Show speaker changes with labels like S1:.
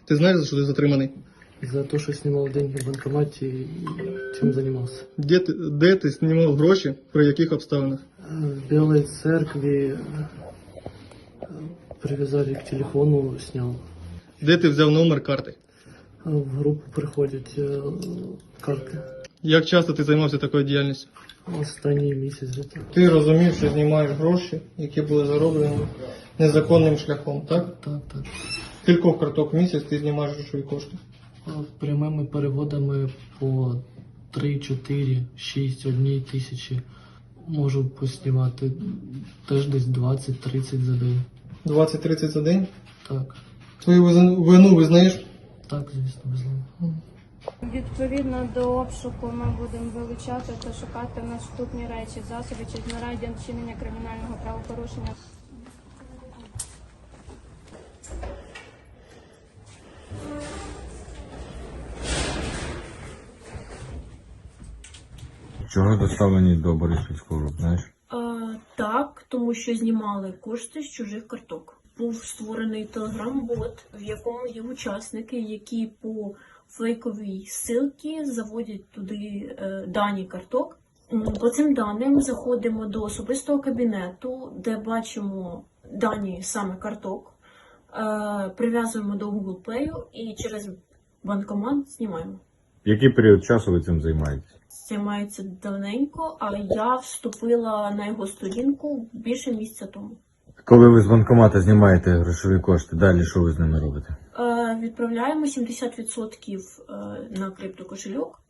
S1: Ты знаешь, за что ты затриманий?
S2: За то, что снимал деньги в банкомате и чем занимался.
S1: Де ти знімав гроші, при яких обставинах?
S2: В Белой церкви привязали к телефону, снял.
S1: Де ти взяв номер карти?
S2: В группу приходять карти.
S1: Як часто ти займався такою діяльністю?
S2: Останній місяць где-то.
S1: Ти розумів, що знімаєш гроші, які були зароблені незаконним шляхом, так?
S2: Так.
S1: Кількох карток в місяць ти знімаєш грошові кошти?
S2: Прямими переводами по 3, 4, 6, 1 тисячі можу поснімати теж десь 20-30 за день.
S1: 20-30 за день?
S2: Так,
S1: Твою вину визнаєш?
S2: так, звісно, безумовно.
S3: Відповідно до обшуку ми будемо вилучати та шукати наступні речі, засоби чи знаряддя вчинення кримінального правопорушення.
S4: Чого доставлені до Бориспільського РУП, знаєш?
S5: Так, тому що знімали кошти з чужих карток. Був створений телеграм-бот, в якому є учасники, які по фейковій ссылці заводять туди дані карток. По цим даним заходимо до особистого кабінету, де бачимо дані саме карток, прив'язуємо до Google Play і через банкомат знімаємо.
S4: Який період часу ви цим займаєтесь?
S5: Займається давненько, а я вступила на його сторінку більше місяця тому.
S4: Коли ви з банкомата знімаєте грошові кошти, далі що ви з ними робите?
S5: Відправляємо 70% на криптокошельок